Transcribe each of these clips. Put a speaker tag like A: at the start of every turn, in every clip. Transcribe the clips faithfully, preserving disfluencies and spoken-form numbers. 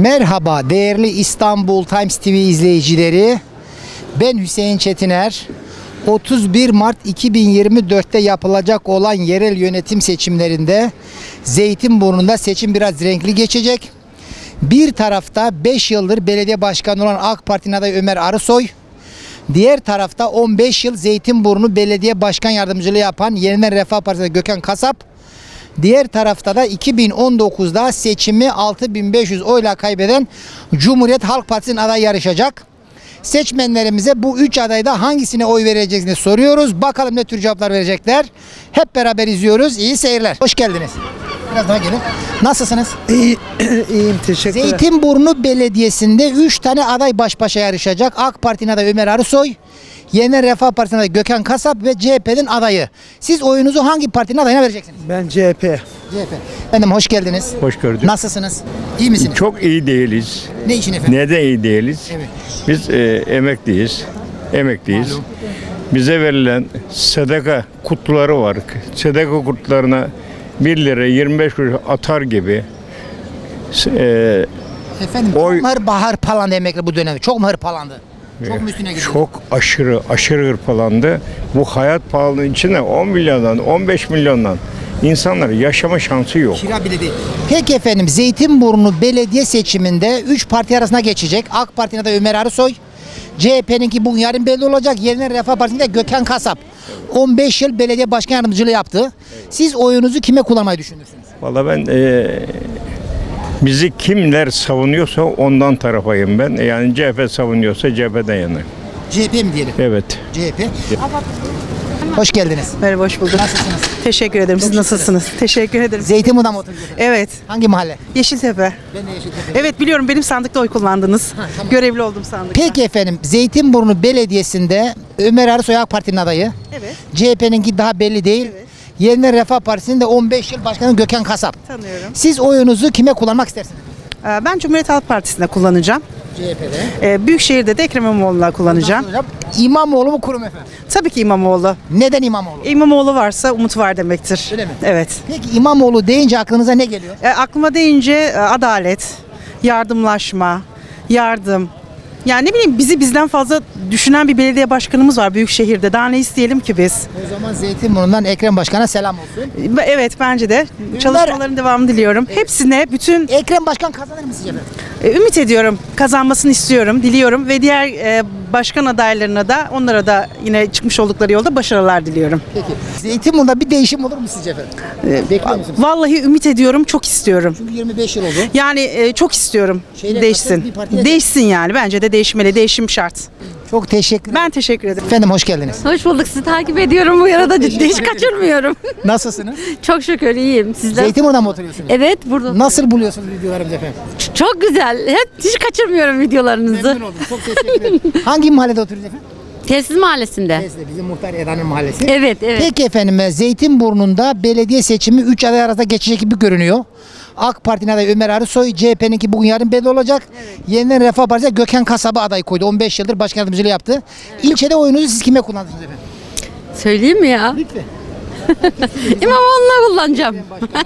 A: Merhaba değerli İstanbul Times T V izleyicileri. Ben Hüseyin Çetiner. otuz bir Mart iki bin yirmi dört'te yapılacak olan yerel yönetim seçimlerinde Zeytinburnu'nda seçim biraz renkli geçecek. Bir tarafta beş yıldır belediye başkanı olan AK Parti'nin adayı Ömer Arısoy, diğer tarafta on beş yıl Zeytinburnu Belediye Başkan Yardımcılığı yapan Yeniden Refah Partisi'nde Gökhan Kasap, diğer tarafta da iki bin on dokuz'da seçimi altı bin beş yüz oyla kaybeden Cumhuriyet Halk Partisi'nin adayı yarışacak. Seçmenlerimize bu üç adayda hangisine oy vereceksini soruyoruz. Bakalım ne tür cevaplar verecekler. Hep beraber izliyoruz. İyi seyirler. Hoş geldiniz. Biraz daha gelin. Nasılsınız?
B: İyi, iyiyim, teşekkürler.
A: Zeytinburnu Belediyesi'nde üç tane aday baş başa yarışacak. AK Parti'nin adayı Ömer Arısoy, Yeniden Refah Partisi'nin adayı Gökhan Kasap ve C H P'nin adayı. Siz oyunuzu hangi partinin adayına vereceksiniz?
B: Ben C H P.
A: C H P. Efendim hoş geldiniz.
C: Hoş gördük.
A: Nasılsınız? İyi misiniz?
C: Çok iyi değiliz.
A: Ne için efendim?
C: Neden iyi değiliz?
A: Evet.
C: Biz e, emekliyiz. Emekliyiz.
A: Malum.
C: Bize verilen sadaka kutuları var. Sadaka kutularına bir lira yirmi beş kuruş atar gibi. E,
A: Efendim
C: Oy-
A: çok mu hırpahar palandı emekli bu dönemde? Çok mu hırpalandı? Çok mu üstüne gidiyor?
C: çok aşırı aşırı hırpalandı. Bu hayat pahalılığı içinde on milyondan on beş milyondan insanlar yaşama şansı yok.
A: Kira bile değil. Peki efendim Zeytinburnu belediye seçiminde üç parti arasına geçecek. AK Parti'nin adayı Ömer Arısoy, C H P'ninki bugün yarın belli olacak. Yeniden Refah Partisi'nde Gökhan Kasap. on beş yıl belediye başkan yardımcılığı yaptı. Siz oyunuzu kime kullanmayı düşünürsünüz?
C: Valla ben e, bizi kimler savunuyorsa ondan tarafayım ben. Yani C H P savunuyorsa C H P'den yanayım.
A: C H P mi diyelim?
C: Evet.
A: C H P. Hoş geldiniz.
D: Merhaba, hoş bulduk.
A: Nasılsınız?
D: Teşekkür ederim. Siz nasılsınız? Teşekkür ederim.
A: Zeytinburnu'da mı oturuyorsunuz?
D: Evet,
A: Hangi mahalle?
D: Yeşiltepe.
A: Ben de Yeşiltepe.
D: Evet, biliyorum, benim sandıkta oy kullandınız.
A: tamam.
D: Görevli oldum sandıkta.
A: Peki efendim Zeytinburnu Belediyesi'nde Ömer Arısoy AK Parti'nin adayı.
D: Evet,
A: C H P'ninki daha belli değil.
D: Evet.
A: Yeniden Refah Partisi'nin de on beş yıl başkanı Gökhan Kasap.
D: tanıyorum.
A: Siz oyunuzu kime kullanmak istersiniz?
D: Ee, Ben Cumhuriyet Halk Partisi'ne kullanacağım.
A: C H P'de.
D: Ee, Büyükşehir'de de Ekrem İmamoğlu'na kullanacağım.
A: İmamoğlu mu kurum efendim?
D: Tabii ki İmamoğlu.
A: Neden İmamoğlu?
D: İmamoğlu varsa umut var demektir.
A: Öyle mi?
D: Evet.
A: Peki İmamoğlu deyince aklınıza ne geliyor?
D: E, aklıma deyince e, adalet, yardımlaşma, yardım. Yani ne bileyim, bizi bizden fazla düşünen bir belediye başkanımız var Büyükşehir'de. Daha ne isteyelim ki biz?
A: O zaman Zeytinburnu'ndan Ekrem Başkan'a selam olsun.
D: E, Evet, bence de. Çalışmaların devamını diliyorum. Hepsine, bütün
A: Ekrem Başkan kazanır mı sizce efendim?
D: e, ümit ediyorum. Kazanmasını istiyorum, diliyorum ve diğer e, başkan adaylarına da, onlara da yine çıkmış oldukları yolda başarılar diliyorum.
A: Peki. Zeytinburnu'nda bir değişim olur mu sizce efendim? Bekliyor musunuz?
D: Vallahi ümit ediyorum, çok istiyorum.
A: Çünkü yirmi beş yıl oldu.
D: Yani e, çok istiyorum
A: Şeyle
D: değişsin.
A: katılın, bir partiye-
D: Değişsin yani. Bence de değişmeli. Değişim şart.
A: Çok teşekkür ederim.
D: Ben teşekkür ederim.
A: Efendim hoş geldiniz.
E: Hoş bulduk. Sizi takip ediyorum bu arada. Hiç kaçırmıyorum.
A: Nasılsınız?
E: Çok şükür iyiyim. Sizler?
A: Zeytinburnu'da mı oturuyorsunuz?
E: Evet, burada.
A: Nasıl buluyorsunuz videolarımızı efendim?
E: Ç- Çok güzel. Hep hiç kaçırmıyorum videolarınızı.
A: Memnun oldum. Çok teşekkür ederim. Hangi mahallede oturuyorsunuz efendim?
E: Tesis Mahallesi'nde.
A: Neyse, bizim muhtar Eda'nın mahallesi.
E: Evet, evet.
A: Peki efendim Zeytinburnu'nda belediye seçimi üç aday arasında geçecek gibi görünüyor. AK Parti'nin adayı Ömer Arısoy, C H P'ninki bugün yarın belli olacak. Yeniden Refah Partisi Gökhan Kasap'ı aday koydu. on beş yıldır başkan yardımcılığı yaptı. İlçede oyunuzu siz kime kullandınız efendim?
E: Söyleyeyim mi ya?
A: Lütfen.
E: İmamoğlu'na kullanacağım.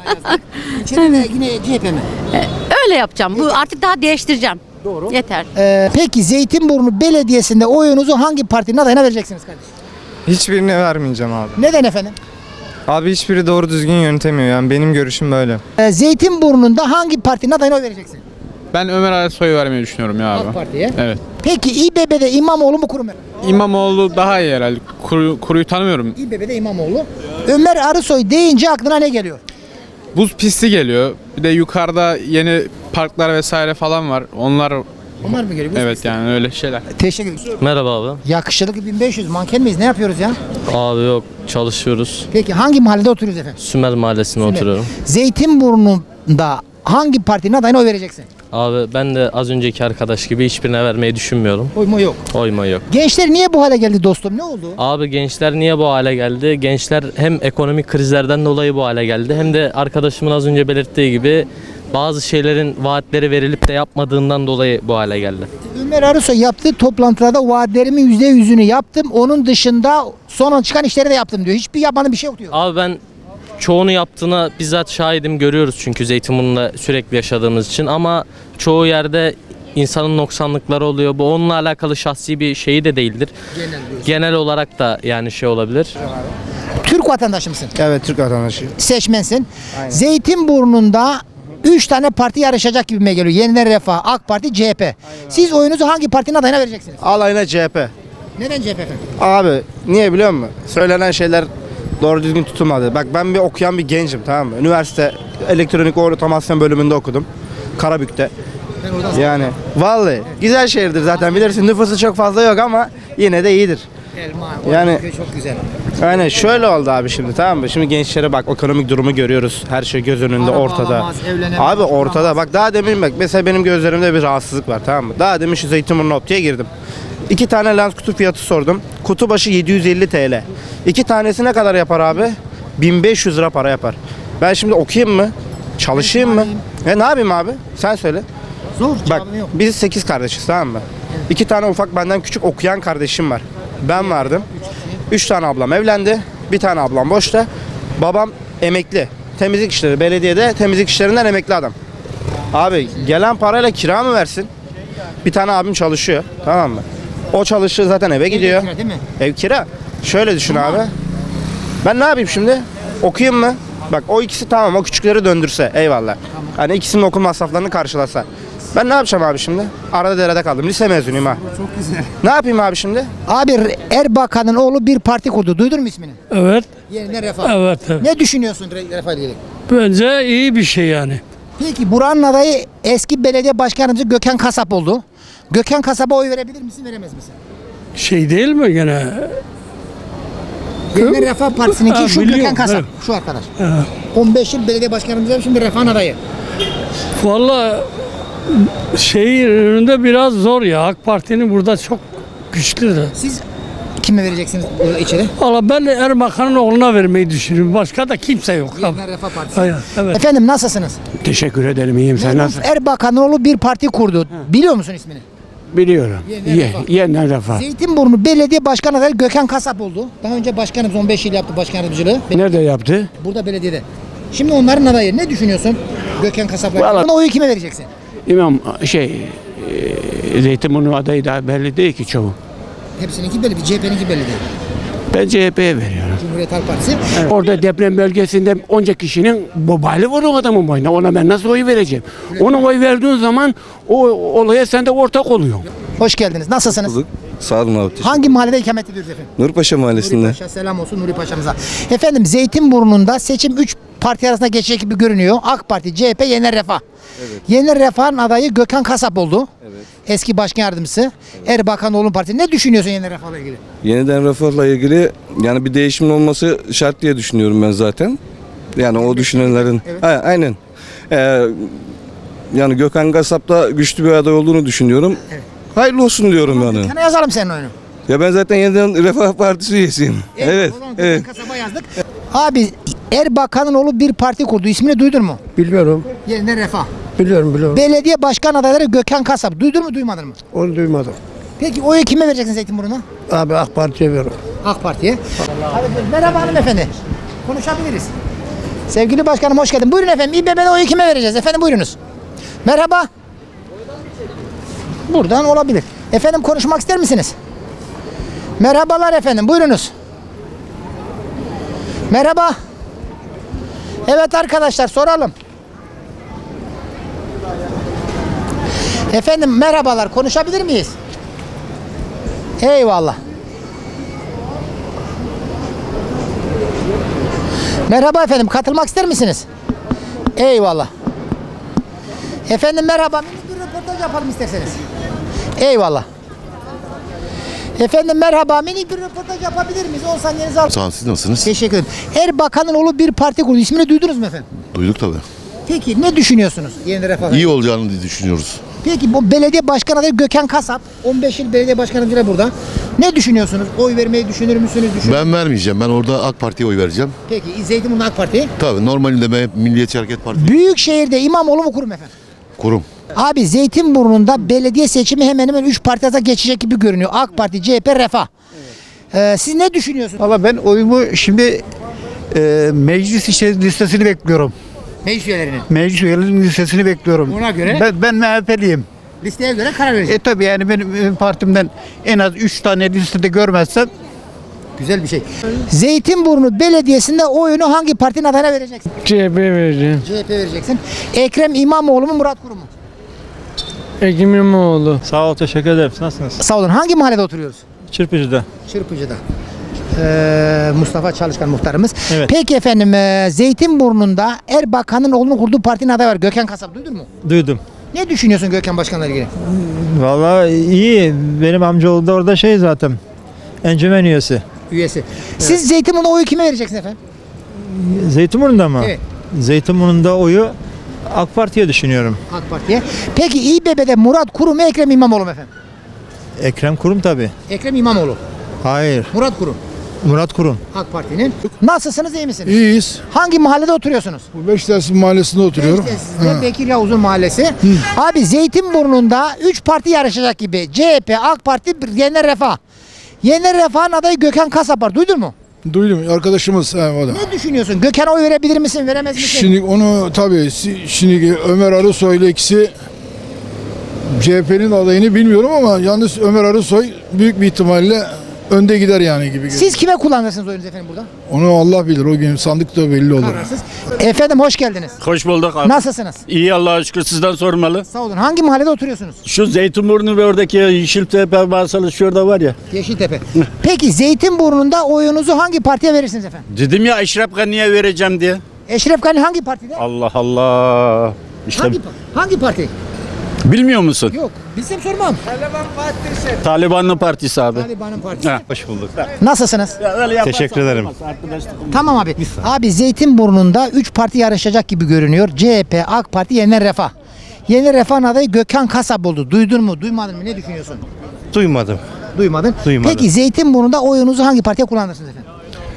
A: İlçede de yine C H P mi?
E: Öyle yapacağım. Bu artık daha değiştireceğim.
A: Doğru.
E: Yeter.
A: Ee, peki Zeytinburnu Belediyesi'nde oyunuzu hangi partinin adayına vereceksiniz kardeşim?
F: Hiçbirine vermeyeceğim abi.
A: Neden efendim?
F: Abi hiçbiri doğru düzgün yönetemiyor, yani benim görüşüm böyle.
A: Ee, Zeytinburnu'nda hangi partinin adayına oy vereceksin?
G: Ben Ömer Arısoy'u vermeyi düşünüyorum ya abi.
A: AK Parti'ye.
G: Evet.
A: Peki İBB'de İmamoğlu mu kurum mu?
G: İmamoğlu daha iyi herhalde. Kuru, kuruyu tanımıyorum.
A: İBB'de İmamoğlu. Ömer Arısoy deyince aklına ne geliyor?
G: Buz pisti geliyor. Bir de yukarıda yeni parklar vesaire falan var. Onlar
A: Onlar mı geliyor?
G: evet yani öyle şeyler.
A: Teşekkür ederim.
H: Merhaba abi.
A: Yakışıklı bin beş yüz manken miyiz? Ne yapıyoruz ya?
H: Abi yok, çalışıyoruz.
A: Peki hangi mahallede oturuyoruz efendim?
H: Sümer Mahallesi'nde
A: Sümer.
H: oturuyorum.
A: Zeytinburnu'nda hangi partinin adayına oy vereceksin?
H: Abi ben de az önceki arkadaş gibi hiçbirine vermeyi düşünmüyorum.
A: Oyma yok.
H: Oyma yok.
A: Gençler niye bu hale geldi dostum? Ne oldu?
H: Abi gençler niye bu hale geldi? Gençler hem ekonomik krizlerden dolayı bu hale geldi, hem de arkadaşımın az önce belirttiği gibi bazı şeylerin vaatleri verilip de yapmadığından dolayı bu hale geldi.
A: Ömer Arısoy yaptığı toplantılarda vaatlerimin yüzde yüzünü yaptım. Onun dışında son çıkan işleri de yaptım diyor. Hiçbir yapmadığım bir şey yok diyor.
H: Abi ben çoğunu yaptığına bizzat şahidim, görüyoruz çünkü Zeytinburnu'nda sürekli yaşadığımız için, ama çoğu yerde insanın noksanlıkları oluyor. Bu onunla alakalı şahsi bir şeyi de değildir.
A: Genel,
H: Genel olarak da yani şey olabilir.
A: Türk vatandaşı mısın?
B: Evet, Türk vatandaşı.
A: Seçmensin. Zeytinburnu'nda üç tane parti yarışacak gibime geliyor. Yeniden Refah, AK Parti, C H P. Siz oyunuzu hangi partinin adayına vereceksiniz?
B: Alayına C H P.
A: Neden C H P efendim?
B: Abi niye biliyor musun? Söylenen şeyler doğru düzgün tutulmadı. Bak ben bir okuyan bir gencim, tamam mı? Üniversite elektronik otomasyon bölümünde okudum. Karabük'te. Yani vallahi güzel şehirdir zaten, bilirsin, nüfusu çok fazla yok ama yine de iyidir.
A: Elma,
B: Yani-
A: çok güzel.
B: Aynen şöyle oldu abi şimdi, tamam mı? Şimdi gençlere bak, ekonomik durumu görüyoruz. Her şey göz önünde,
A: Araba
B: ortada.
A: alamaz, evlenemez,
B: Abi ortada.
A: oturamaz.
B: Bak daha demin bak mesela benim gözlerimde bir rahatsızlık var, tamam mı? Daha demin şu Zeytinburnu optiğe girdim. İki tane lens kutu fiyatı sordum. Kutu başı yedi yüz elli T L. İki tanesi ne kadar yapar abi? bin beş yüz lira para yapar. Ben şimdi okuyayım mı? Çalışayım mı? E ne yapayım abi? Sen söyle.
A: Zor,
B: Bak
A: cevabı yok.
B: biz sekiz kardeşiz, tamam mı? İki tane ufak benden küçük okuyan kardeşim var. Ben vardım. Üç tane ablam evlendi. Bir tane ablam boşta. Babam emekli. Temizlik işleri, belediyede temizlik işlerinden emekli adam. Abi gelen parayla kira mı versin? Bir tane abim çalışıyor, tamam mı? O çalışıyor zaten, eve gidiyor.
A: kira değil mi?
B: Ev kira. Şöyle düşün abi. Ben ne yapayım şimdi? Okuyayım mı? Bak o ikisi tamam, o küçükleri döndürse eyvallah. Hani ikisinin okul masraflarını karşılasa. Ben ne yapacağım abi şimdi? Arada derede kaldım. Lise mezunuyum ha. Çok güzel. Ne yapayım abi şimdi?
A: Abi Erbakan'ın oğlu bir parti kurdu. Duydun mu ismini?
I: Evet,
A: Yeniden Refah.
I: evet, evet.
A: Ne düşünüyorsun Re- Refah ile ilgili?
I: Bence iyi bir şey yani.
A: Peki buranın adayı eski belediye başkanımız Gökhan Kasap oldu. Gökhan Kasap'a oy verebilir misin, veremez misin?
I: Şey değil mi gene?
A: Yeniden Refah Partisi'ninki
I: Ha,
A: şu
I: biliyorum,
A: Gökhan Kasap.
I: evet.
A: Şu arkadaş. on beş yıl belediye başkanımız, şimdi Refah'ın adayı.
I: Vallahi şeyin önünde biraz zor ya. AK Parti'nin burada çok güçlüdür.
A: Siz kime vereceksiniz burada içeri?
I: Valla ben Erbakan'ın oğluna vermeyi düşünüyorum. Başka da kimse yok.
A: Yeniden Refah Partisi.
I: Evet, evet.
A: Efendim nasılsınız?
J: Teşekkür ederim, iyiyim. Sen
A: Memduh
J: nasılsın?
A: Erbakan'ın oğlu bir parti kurdu. Biliyor musun ismini?
J: Biliyorum.
A: Yeniden
J: Ye,
A: Refah.
J: yeniden refah.
A: Zeytinburnu Belediye Başkan adayı Gökhan Kasap oldu. Daha önce başkanımız on beş yıl yaptı başkan yardımcılığı.
J: Nerede yaptı?
A: Burada belediyede. Şimdi onların adayı. Ne düşünüyorsun Gökhan Kasap'la?
J: Vallahi-
A: Buna oyu kime vereceksin?
J: İmam şey e, Zeytinburnu adayı da belli değil ki çoğu.
A: Hepsininki belli. C H P'ninki belli değil.
J: Ben C H P'ye veriyorum.
A: Cumhuriyet Halk Partisi.
J: Orada deprem bölgesinde onca kişinin bobali var o adamın boyuna. Ona ben nasıl oy vereceğim? Ona oy verdiğin zaman o olaya sen de ortak oluyorsun.
A: Hoş geldiniz. Nasılsınız?
K: Sağ olun abi.
A: Hangi mahallede ikamet ediyoruz efendim?
K: Nurpaşa Mahallesi'nde.
A: Nuri Paşa, selam olsun Nuri Paşa'mıza. Efendim Zeytinburnu'nda seçim üç parti arasında geçecek gibi görünüyor. AK Parti, C H P, Yeniden Refah.
K: Evet.
A: Yeniden Refah'ın adayı Gökhan Kasap oldu.
K: Evet.
A: Eski başkan yardımcısı. Erbakanoğlu'nun partisi. Ne düşünüyorsun Yeniden Refah'la ilgili?
K: Yeniden refahla ilgili yani bir değişimin olması şart diye düşünüyorum ben zaten. Yani o düşünenlerin.
A: Evet.
K: Ha, aynen. Ee, yani Gökhan Kasap da güçlü bir aday olduğunu düşünüyorum.
A: Evet.
K: Hayırlı olsun diyorum yani.
A: Kana yazalım senin oyunu.
K: Ya ben zaten Yeniden Refah Partisi üyesiyim. Evet.
A: O zaman
K: Evet.
A: Gökhan Kasap'a yazdık. Abi Erbakan'ın oğlu bir parti kurdu. İsmini duydun mu?
B: Bilmiyorum.
A: Yeniden Refah.
B: Biliyorum, biliyorum.
A: Belediye başkan adayları Gökhan Kasap. Duydun mu duymadın mı?
B: Onu duymadım.
A: Peki oyu kime vereceksin Zeytinburnu'na?
B: Abi AK Parti'ye veriyorum.
A: AK Parti'ye. Merhaba hanımefendi. Konuşabiliriz. Sevgili başkanım hoş geldin. Buyurun efendim. İBB'de oyu kime vereceğiz? Efendim buyurunuz. Merhaba. Buradan olabilir. Efendim konuşmak ister misiniz? Merhabalar efendim. Buyurunuz. Merhaba. Evet arkadaşlar soralım. Efendim merhabalar. Konuşabilir miyiz? Eyvallah. Merhaba efendim, katılmak ister misiniz? Eyvallah. Efendim merhaba, minik bir röportaj yapalım isterseniz. Eyvallah. Efendim merhaba, minik bir röportaj yapabilir miyiz? on saniyenizi al.
L: Sağ olun, siz nasılsınız?
A: Teşekkür ederim. Erbakan'ın oğlu bir parti kurdu. İsmini duydunuz mu efendim?
L: Duyduk tabii.
A: Peki ne düşünüyorsunuz? Yeniden Refah.
L: İyi olacağını düşünüyoruz.
A: Peki bu belediye başkan adayı Gökhan Kasap. on beş yıl belediye başkanımız burada. Ne düşünüyorsunuz? Oy vermeyi düşünür müsünüz? Düşünür.
L: Ben vermeyeceğim. Ben orada AK Parti'ye oy vereceğim.
A: Peki Zeytinburnu AK Parti.
L: Tabii normalinde ben Milliyetçi Hareket Partisi
A: Büyükşehir'de İmamoğlu mu kurum efendim?
L: kurum.
A: Abi Zeytinburnu'nda belediye seçimi hemen hemen üç parti arasında geçecek gibi görünüyor. AK Parti, C H P, Refah. Ee, siz ne düşünüyorsunuz?
B: Valla ben oyumu şimdi
M: Ee, meclis işte listesini bekliyorum.
A: Meclis üyelerinin.
M: Meclis üyelerinin listesini bekliyorum.
A: Ona göre?
M: Ben, ben M H P'liyim.
A: Listeye göre karar verecek.
M: E tabi yani benim, benim partimden en az üç tane listede görmezsem
A: Güzel bir şey. Zeytinburnu Belediyesi'nde oyunu hangi partinin adayına vereceksin?
I: C H P vereceğim.
A: C H P vereceksin. Ekrem İmamoğlu mu Murat Kurum mu?
I: Ekrem İmamoğlu.
N: Sağ ol, teşekkür ederim. Nasılsınız?
A: Sağ olun. Hangi mahallede oturuyoruz?
N: Çırpıcı'da.
A: Çırpıcı'da. Ee, Mustafa Çalışkan muhtarımız.
N: Evet.
A: Peki efendim e, Zeytinburnu'nda Erbakan'ın oğlunun kurduğu partinin adayı var. Gökhan Kasap duydun mu?
N: Duydum.
A: Ne düşünüyorsun Gökhan Başkan'la ilgili?
N: Vallahi iyi. Benim amcaoğlu da orada şey zaten. Encümen üyesi.
A: Üyesi. Siz Zeytinburnu'nda oyu kime vereceksiniz efendim?
N: Zeytinburnu'nda mı?
A: Evet.
N: Zeytinburnu'nda oyu AK Parti'ye düşünüyorum.
A: AK Parti'ye. Peki İBB'de Murat Kurum mu Ekrem İmamoğlu mu efendim?
N: Ekrem Kurum tabii.
A: Ekrem İmamoğlu.
N: Hayır.
A: Murat Kurum.
N: Murat Kurum.
A: AK Parti'nin. Nasılsınız, iyi misiniz?
O: İyiyiz.
A: Hangi mahallede oturuyorsunuz?
O: Bu Beşiktaş Mahallesi'nde oturuyorum.
A: Beşiktaş'ta Bekir Yavuz'un mahallesi. Abi Zeytinburnu'nda üç parti yarışacak gibi. C H P, AK Parti, Yeni Refah. Yeni Refah'ın adayı Gökhan Kasap var. Duydun mu?
O: Duydum. Arkadaşımız he, o da.
A: Ne düşünüyorsun? Gökhan'a oy verebilir misin, veremez misin?
O: Şimdi onu tabii si- şimdi Ömer Arısoy ile ikisi C H P'nin adayını bilmiyorum ama yalnız Ömer Arısoy büyük bir ihtimalle önde gider yani gibi. görünüyor.
A: Siz kime kullanırsınız oyunuzu efendim burada?
O: Onu Allah bilir. O gün sandıkta belli olur.
A: Kararsız. Efendim hoş geldiniz.
P: Hoş bulduk abi.
A: Nasılsınız?
P: İyi Allah'a şükür, sizden sormalı.
A: Sağ olun. Hangi mahallede oturuyorsunuz?
P: Şu Zeytinburnu ve oradaki Yeşiltepe Marsalı şurada var ya.
A: Yeşiltepe. Peki Zeytinburnu'nda oyunuzu hangi partiye verirsiniz efendim?
P: Dedim ya Eşref Gani'ye vereceğim diye.
A: Eşref Gani hangi partide?
P: Allah Allah. İşte
A: Hangi, hangi parti?
P: bilmiyor musun?
A: Yok. Bilsem sormam.
P: Talibanlı Partisi abi.
A: Taliban'ın partisi.
P: Ha, hoş bulduk.
A: Nasılsınız?
P: Teşekkür ederim.
A: Tamam abi. Abi Zeytinburnu'nda üç parti yarışacak gibi görünüyor. C H P, AK Parti, Yeni Refah. Yeni Refah'ın adayı Gökhan Kasap oldu. Duydun mu? Duymadın mı? Ne düşünüyorsun?
Q: Duymadım.
A: Duymadın.
Q: Duymadım.
A: Peki Zeytinburnu'nda oyunuzu hangi partiye kullanırsınız efendim?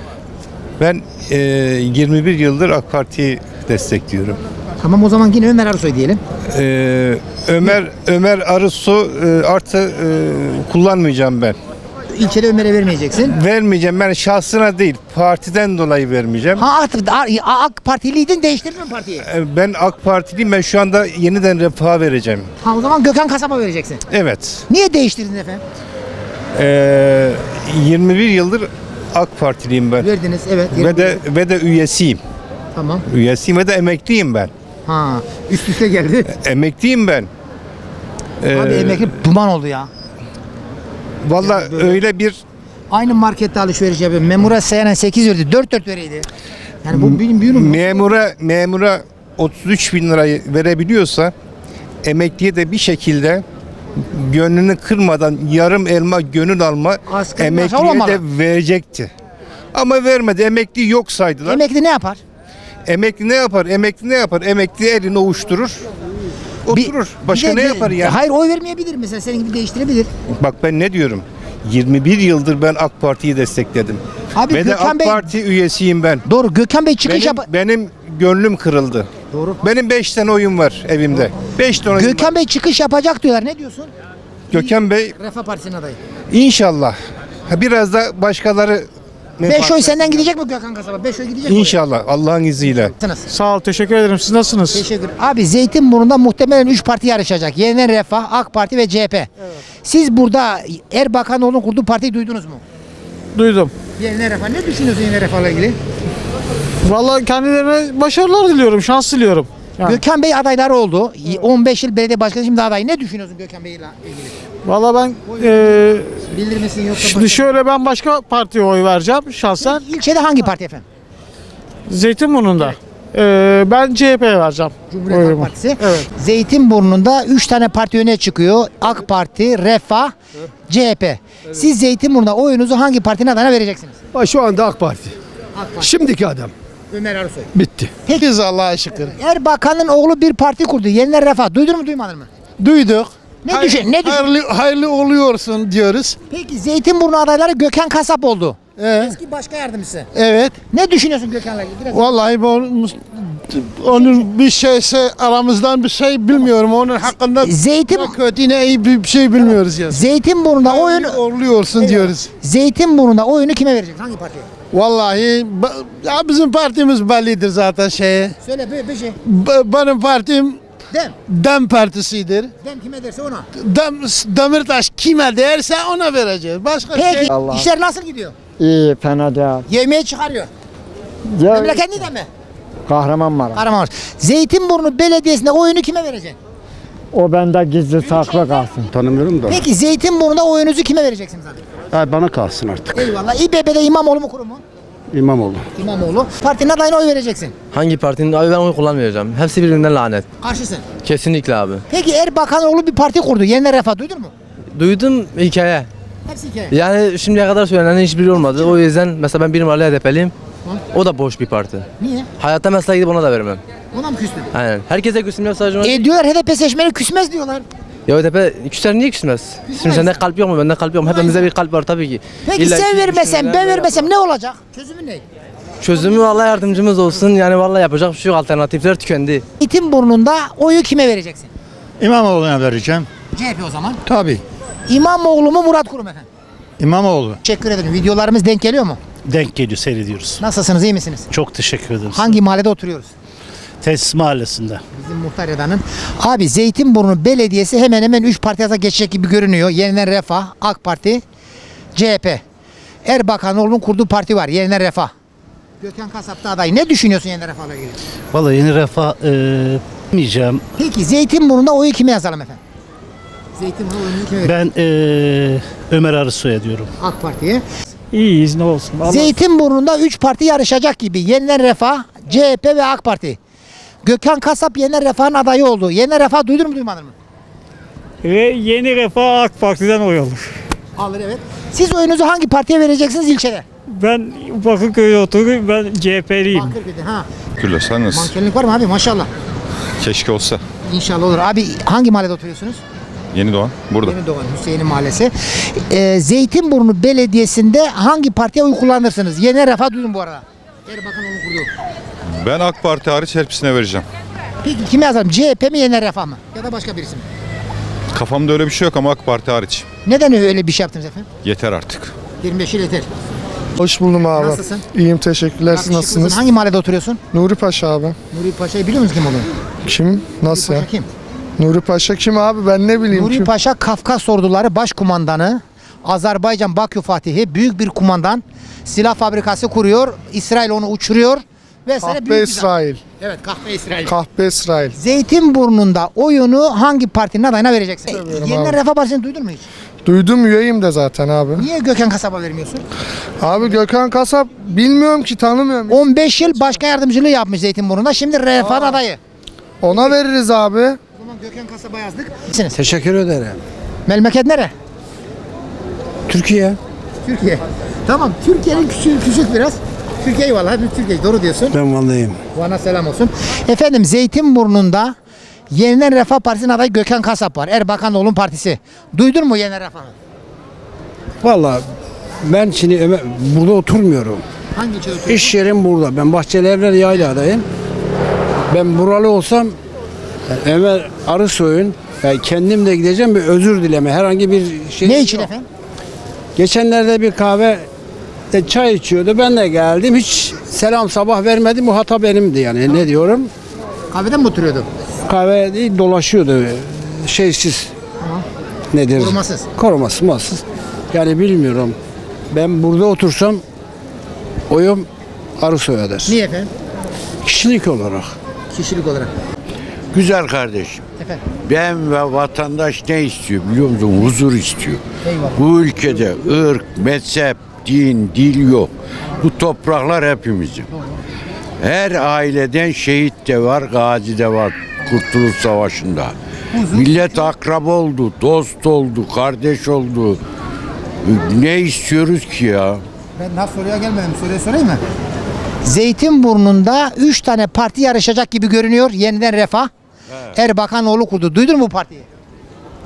Q: Ben e, yirmi bir yıldır AK Parti'yi destekliyorum.
A: Tamam o zaman yine Ömer Arısoy diyelim.
Q: E, Ömer Ömer Arısu e, artı e, kullanmayacağım ben.
A: İlçede Ömer'e vermeyeceksin.
Q: Vermeyeceğim. Ben şahsına değil, partiden dolayı vermeyeceğim.
A: Ha artık AK Partiliydin, değiştirdin mi partiyi?
Q: E, Ben AK Partiliyim. Ben şu anda yeniden Refah'a vereceğim.
A: Ha o zaman Gökhan Kasap'a vereceksin.
Q: Evet.
A: Niye değiştirdin efendim?
Q: E, yirmi bir yıldır AK Partiliyim ben.
A: Verdiniz evet.
Q: Ve de ve de üyesiyim.
A: Tamam.
Q: Üyesiyim ve de emekliyim ben.
A: Ha üst üste geldi.
Q: Emekliyim ben.
A: Abi
Q: Ee,
A: emekli duman oldu ya.
Q: Valla öyle bir
A: Aynı markette alışveriş yapıyorum. Memura seyren sekiz verdi. dört dört vereydi. Yani bu benim büyüğüm.
Q: memura memura otuz üç bin lirayı verebiliyorsa emekliye de bir şekilde gönlünü kırmadan yarım elma gönül alma
A: Asgari maaş
Q: emekliye
A: olmamalı.
Q: de verecekti. Ama vermedi. Emekli yok saydılar.
A: Emekli ne yapar?
Q: Emekli ne yapar? Emekli ne yapar? Emekli elini ovuşturur. Oturur. Başka
A: Bir de-
Q: ne yapar yani?
A: Hayır oy vermeyebilir mesela senin gibi değiştirebilir.
Q: Bak ben ne diyorum? yirmi bir yıldır ben AK Parti'yi destekledim.
A: Abi
Q: Ve de
A: Gökhan
Q: AK
A: Bey-
Q: Parti üyesiyim ben.
A: Doğru Gökhan Bey çıkış
Q: Benim,
A: yap.
Q: benim gönlüm kırıldı.
A: Doğru.
Q: Benim beş tane oyun var evimde. beş tane oyun
A: Gökhan
Q: var.
A: Bey çıkış yapacak diyorlar. Ne diyorsun?
Q: Gökhan Bey
A: Refah Partisi'nin adayı.
Q: inşallah. Ha, biraz da başkaları
A: beş oy senden gidecek mi Gökhan Kasap'a? beş oy gidecek mi?
Q: İnşallah Allah'ın izniyle.
A: Sağ ol, teşekkür ederim. Siz nasılsınız? Teşekkür. Abi Zeytinburnu'nda muhtemelen üç parti yarışacak. Yeni Refah, AK Parti ve C H P. Siz burada Erbakanoğlu'nun kurduğu partiyi duydunuz mu?
R: Duydum.
A: Yeni Refah. Ne düşünüyorsun Yeni Refah'la ilgili?
R: Vallahi kendilerine başarılar diliyorum, şans diliyorum. Yani.
A: Gökhan Bey adayları oldu. on beş yıl belediye başkanı şimdi aday. Ne düşünüyorsun Gökhan Bey'le ilgili?
R: Vallahi ben e,
A: Bilir misin yoksa
R: şimdi şöyle ben başka partiye oy vereceğim şahsen.
A: İlçede hangi parti efendim?
R: Zeytinburnu'nda. E, ben C H P'ye vereceğim.
A: Cumhuriyet Halk
R: oyumu.
A: Partisi.
R: Evet.
A: Zeytinburnu'nda üç tane parti öne çıkıyor. AK Parti, Refah, C H P. Siz Zeytinburnu'nda oyunuzu hangi partinin adayına vereceksiniz?
S: Şu anda AK Parti.
A: AK Parti.
S: Şimdiki adam.
A: Ömer Arısoy.
S: Bitti.
A: Peki Allah'a şükür. Erbakan'ın oğlu bir parti kurdu. Yeniler Refah. Duydun mu duymadın mı?
S: Duyduk.
A: Ne
S: Hayır-
A: düşün? Ne düşün?
S: Hayırlı, hayırlı oluyorsun diyoruz.
A: Peki Zeytinburnu adayları Gökhan Kasap oldu.
M: Ee?
A: Eski başkan yardımcısı.
M: Evet.
A: Ne düşünüyorsun Gökhan'la ilgili? Biraz
M: Vallahi bu onun bir şeyse aramızdan bir şey bilmiyorum. Onun hakkında
A: Zeytin
M: ne kötü ne iyi bir şey bilmiyoruz ya.
A: Zeytinburnu'nda oyunu
M: Oluyorsun diyoruz.
A: Zeytinburnu'nda oyunu kime vereceksin? Hangi partiye?
M: Vallahi ba- ya bizim partimiz bellidir zaten şeye.
A: Söyle bir, bir şey.
M: B- benim partim
A: Dem.
M: Dem Partisi'dir.
A: Dem kime derse ona.
M: Dem, Demirtaş kime derse ona vereceğiz. Başka
A: Peki
M: şey.
A: işler nasıl gidiyor?
N: İyi, fena değil.
A: Yemeği çıkarıyor.
N: Ya,
A: Memleket de mi?
N: Kahramanmaraş.
A: Kahramanmaraş. Zeytinburnu Belediyesi'nde oyunu kime vereceksin?
N: O bende gizli saklı kalsın.
P: Tanımıyorum da.
A: Peki Zeytinburnu'nda oyunuzu kime vereceksiniz abi?
P: Ha, bana kalsın artık.
A: Eyvallah. İBB'de İmamoğlu mu kurum mu?
P: İmamoğlu.
A: İmamoğlu. Partinin adayına oy vereceksin.
H: Hangi partinin? Abi ben oy kullanmayacağım. Hepsi birbirinden lanet.
A: Karşısın.
H: Kesinlikle abi.
A: Peki Erbakanoğlu bir parti kurdu. Yeniden Refah duydun mu?
H: Duydum hikaye.
A: Hepsi hikaye.
H: Yani şimdiye kadar söylenen hiçbiri olmadı. O yüzden mesela ben bir numaralı H D P'liyim. O da boş bir parti.
A: Niye?
H: Hayatta mesela gidip ona da vermem.
A: Ona mı küstün?
H: Aynen. Herkese küsmüyor sadece.
A: E diyorlar H D P seçmeni küsmez diyorlar.
H: Ya H D P küser niye küsmez? Şimdi sende kalp yok mu? Bende kalp yok mu? Hepimizde bir kalp var tabii ki.
A: Peki
H: İlla
A: sen
H: ki
A: vermesem,
H: düşünürler,
A: ben
H: böyle
A: vermesem ne olacak? Çözümü ne?
H: Çözümü Allah yardımcımız olsun. Yani vallahi yapacak bir şey yok. Alternatifler tükendi.
A: Zeytinburnu'nda oyu kime vereceksin?
N: İmamoğlu'na vereceğim.
A: C H P o zaman.
N: Tabii.
A: İmamoğlu mu Murat Kurum efendim?
N: İmamoğlu.
A: Teşekkür ederim. Videolarımız denk geliyor mu?
N: Denk geliyor, seyrediyoruz.
A: Nasılsınız, iyi misiniz?
N: Çok teşekkür ederiz.
A: Hangi mahallede oturuyoruz?
N: Tesis mahallesinde.
A: Bizim Muhtar Eda'nın. Abi Zeytinburnu Belediyesi hemen hemen üç partiye geçecek gibi görünüyor. Yeniden Refah, AK Parti, C H P. Erbakanoğlu'nun kurduğu parti var. Yeniden Refah. Gökhan Kasap da aday. Ne düşünüyorsun Yeniden Refah'la ilgili?
N: Vallahi yeni refah diyeceğim.
A: Peki Zeytinburnu'nda oyu kime yazalım efendim? Zeytinburnu oyunu kime verelim?
N: Ben Ömer Arısoy'a diyorum.
A: AK Parti'ye.
N: İyiyiz, ne olsun.
A: Zeytinburnu'nda üç parti yarışacak gibi. Yeniden Refah, C H P ve AK Parti. Gökhan Kasap Yeniden Refah'ın adayı oldu. Yeniden Refah duydun mu duymadın mı?
N: Ve yeni refah AK Parti'den oy alır.
A: Alır evet. Siz oyunuzu hangi partiye vereceksiniz ilçede?
N: Ben Bakırköy'de oturuyorum, ben C H P'liyim.
A: Bakırköy'de ha.
L: Külle sen nasılsın?
A: Mankenlik var mı abi maşallah.
L: Keşke olsa.
A: İnşallah olur. Abi hangi mahallede oturuyorsunuz?
L: Yeni Doğan burada.
A: Yeni Doğan Hüseyin'in mahallesi. Ee, Zeytinburnu Belediyesi'nde hangi partiye oy kullanırsınız? Yeniden Refah duydum bu arada. Erbakan onu kurdu.
L: Ben AK Parti hariç hepsine vereceğim.
A: Peki kime yazalım? C H P mi Yeniden Refah mı? Ya da başka birisi mi?
L: Kafamda öyle bir şey yok ama AK Parti hariç.
A: Neden öyle bir şey yaptınız efendim?
L: Yeter artık.
A: yirmi beş yıl yeter.
O: Hoş buldum abi.
A: Nasılsın?
O: İyiyim teşekkürler. Siz nasılsınız?
A: Hangi mahallede oturuyorsun?
O: Nuri Paşa abi.
A: Nuri Paşa'yı biliyor musun kim olduğunu?
O: Kim? Nasıl
A: Nuri
O: ya?
A: Paşa kim?
O: Nuri Paşa kim abi? Ben ne bileyim
A: Nuri
O: kim?
A: Paşa Kafkas Orduları Başkumandanı. Azerbaycan Bakü Fatihi büyük bir kumandan. Silah fabrikası kuruyor. İsrail onu uçuruyor. Vesaire
O: Kahpe
A: büyük bir zat.
O: İsrail.
A: Evet kahpe İsrail.
O: Kahpe İsrail.
A: Zeytinburnu'nda oyunu hangi partinin adayına vereceksin?
O: Bilmiyorum
A: Yeniden
O: abi.
A: Refah Partisi'ni duydun mu hiç?
O: Duydum üyeyim de zaten abi.
A: Niye Gökhan Kasap'a vermiyorsun?
O: Abi Gökhan Kasap bilmiyorum ki tanımıyorum.
A: on beş yıl başkan yardımcılığı yapmış Zeytinburnu'nda. Şimdi Refah'ın adayı.
O: Ona veririz abi.
A: O zaman Gökhan Kasap'a yazdık. Misiniz?
M: Teşekkür ederim.
A: Memleket nere?
M: Türkiye.
A: Türkiye. Tamam. Türkiye'nin küçük, küçük biraz. Türkiye eyvallah. Hepimiz Türkiye. Doğru diyorsun.
M: Ben Vanlıyım.
A: Bana selam olsun. Efendim Zeytinburnu'nda Yeniden Refah Partisi'nin adayı Gökhan Kasap var. Erbakanoğlu'nun partisi. Duydun mu Yeniden Refah'ı?
M: Vallahi ben şimdi Ömer, burada oturmuyorum.
A: Hangi ilçede oturuyorsun?
M: İş yerim burada. Ben Bahçelievler Yayla'dayım. Ben buralı olsam Ömer Arısoy'un yani kendim de gideceğim bir özür dileme. Herhangi bir şey
A: Ne için
M: yok.
A: efendim?
M: Geçenlerde bir kahve de çay içiyordu. Ben de geldim. Hiç selam sabah vermedim. Bu hata benimdi yani. Ne diyorum?
A: Kahveden mi oturuyordu?
M: Kahve değil dolaşıyordu. Şeysiz.
A: Tamam.
M: Nedir?
A: Korumasız.
M: Korumasız. Muhassız. Yani bilmiyorum. Ben burada otursam oyum Arısoy'adır.
A: Niye efendim?
M: Kişilik olarak.
A: Kişilik olarak.
S: Güzel kardeşim.
A: Efendim.
S: Ben ve vatandaş ne istiyor biliyor musun? Huzur istiyor.
A: Eyvallah.
S: Bu ülkede ırk, mezhep, din, dil yok. Bu topraklar hepimizin. Her aileden şehit de var, gazi de var Kurtuluş Savaşı'nda. Millet akrab oldu, dost oldu, kardeş oldu. Ne istiyoruz ki ya?
A: Ben daha soruya gelmedim. Soruyu sorayım mı? Zeytinburnu'nda üç tane parti yarışacak gibi görünüyor. Yeniden Refah. Erbakanoğlu kurdu. Duydun mu bu partiyi?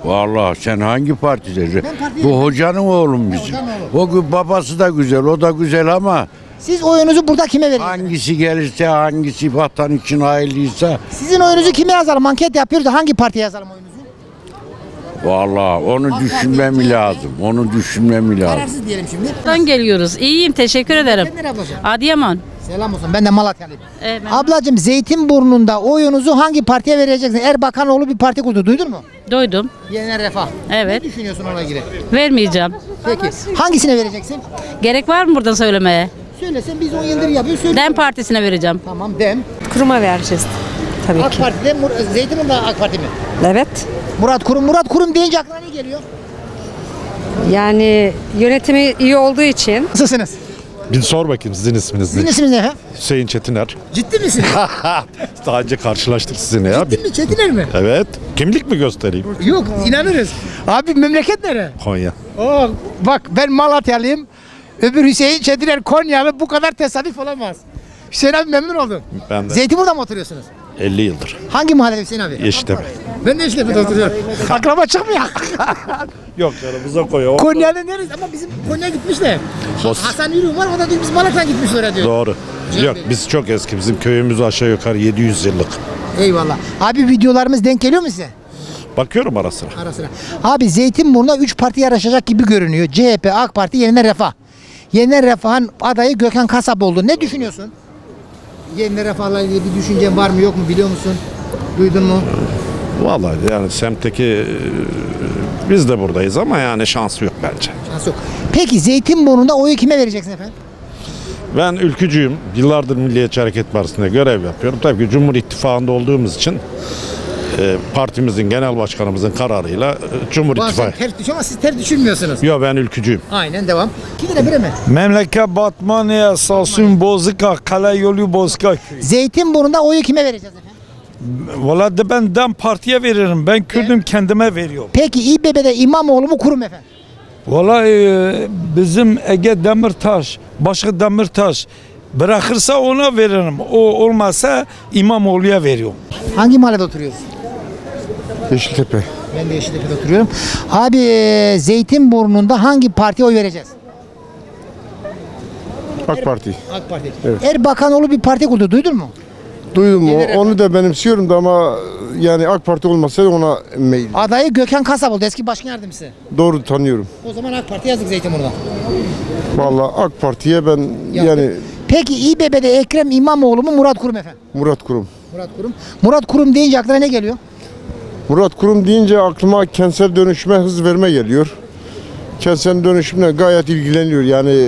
S: Vallahi sen hangi partileri?
A: Ben partiyim.
S: Bu hocanın oğlum bizim.
A: Hocanın
S: O gü- babası da güzel, o da güzel ama
A: Siz oyunuzu burada kime vereceksiniz?
S: hangisi gelirse, hangisi vatan için hayırlıysa
A: Sizin oyunuzu kime yazalım? Anket yapıyoruz da hangi partiye yazalım oyunuzu?
S: vallahi onu
A: AK
S: düşünmem
A: Parti,
S: lazım. Onu düşünmem lazım.
A: Kararsız diyelim şimdi.
E: Buradan geliyoruz. İyiyim, teşekkür ederim.
A: Sen nereye ablacığım?
E: Adıyaman.
A: Selam olsun. Ben de Malatyalıyım.
E: Evet, ben-
A: Ablacığım Zeytinburnu'nda oyunuzu hangi partiye vereceksin? Erbakanoğlu bir parti kurdu. Duydun mu?
E: Duydum.
A: Yeniden Refah.
E: Evet.
A: Ne düşünüyorsun ona göre?
E: Vermeyeceğim.
A: Peki. Hangisine vereceksin?
E: Gerek var mı buradan söylemeye?
A: Söylesen biz on yıldır yapıyoruz. Söyle.
E: Dem Partisi'ne vereceğim.
A: Tamam Dem.
T: Kuruma vereceğiz. Tabii
A: AK
T: ki.
A: Parti'de Mur- Zeytinburnu'nda AK Parti mi?
T: Evet.
A: Murat Kurum. Murat Kurum deyince aklına ne geliyor?
T: Yani yönetimi iyi olduğu için.
A: Nasılsınız?
L: Bir sor bakayım sizin isminiz
A: Sizin isminiz ne efendim?
L: Hüseyin Çetiner.
A: Ciddi misiniz?
L: Daha önce karşılaştık sizinle ya.
A: Ciddi mi? Çetiner mi?
L: Evet. Kimlik mi göstereyim?
A: Yok inanırız. Abi memleket nere?
L: Konya.
A: Oo, bak ben Malatyalıyım. Öbür Hüseyin Çetiner Konyalı, bu kadar tesadüf olamaz. Hüseyin abi memnun oldum.
L: Ben de
A: Zeytinburnu'da mı oturuyorsunuz?
L: elli yıldır.
A: Hangi mahallede Hüseyin abi?
L: Yeşiltepe.
A: Ben de Yeşiltepe'de oturuyorum. Akraba çıkmıyor.
L: Yok canım bize koyuyor.
A: Konya'nın neresi? Ama bizim Konya gitmiş de.
L: Bos-
A: Hasan Yürüğüm var, o da diyor biz Malatya'dan gitmiş oraya diyor.
L: Doğru. Yok biz çok eski. Bizim köyümüz aşağı yukarı yedi yüz yıllık.
A: Eyvallah. Abi videolarımız denk geliyor mu size?
L: Bakıyorum ara sıra.
A: Ara sıra. Abi Zeytinburnu'na üç parti yarışacak gibi görünüyor. C H P, AK Parti, Yeniden Refah. Yeniden Refah'ın adayı Gökhan Kasap oldu. Ne düşünüyorsun? Yeniden Refah'la ilgili bir düşüncen var mı yok mu biliyor musun? Duydun mu?
L: Vallahi yani semtteki e, biz de buradayız ama yani şansı yok bence.
A: Şans yok. Peki Zeytinburnu'nda oyu kime vereceksin efendim?
L: Ben ülkücüyüm. Yıllardır Milliyetçi Hareket Partisi'nde görev yapıyorum. Tabii ki Cumhur İttifakı'nda olduğumuz için e, partimizin genel başkanımızın kararıyla e, Cumhur
A: Bazen
L: İttifakı.
A: ters düşüyor ama siz ters düşürmüyorsunuz.
L: Yok ben ülkücüyüm.
A: Aynen devam. İki lira bire mi?
N: Memleket Batmanya, Samsun, Bozkır, Kale Yolu, Bozkır.
A: Zeytinburnu'nda oyu kime vereceğiz efendim?
N: Valla de ben DEM Parti'ye veririm. Ben Kürdüm kendime veriyorum.
A: Peki İBB'de İmamoğlu mu kurum efendim?
N: Valla e, bizim Ege Demirtaş, Başka Demirtaş bırakırsa ona veririm. O olmazsa İmamoğlu'ya veriyorum.
A: Hangi mahallede oturuyorsun?
O: Yeşiltepe.
A: Ben de Yeşiltepe'de oturuyorum. Abi e, Zeytinburnu'nda hangi partiye oy vereceğiz?
O: AK Parti.
A: AK Parti.
O: Evet.
A: Erbakanoğlu bir parti kurdu. Duydun mu?
O: Duydum o, onu da benimsiyorum da ama yani AK Parti olmasaydı ona meyil.
A: Adayı Gökhan Kasap oldu. Eski başkan yardımcısı.
O: Doğru tanıyorum.
A: O zaman AK Parti yazdık Zeytinburnu'da.
O: Vallahi AK Parti'ye ben yani
A: Peki İBB'de Ekrem İmamoğlu mu Murat Kurum efendim?
O: Murat Kurum.
A: Murat Kurum. Murat Kurum deyince aklına ne geliyor?
O: Murat Kurum deyince aklıma kentsel dönüşüme hız verme geliyor. Kentsel dönüşümle gayet ilgileniyor yani.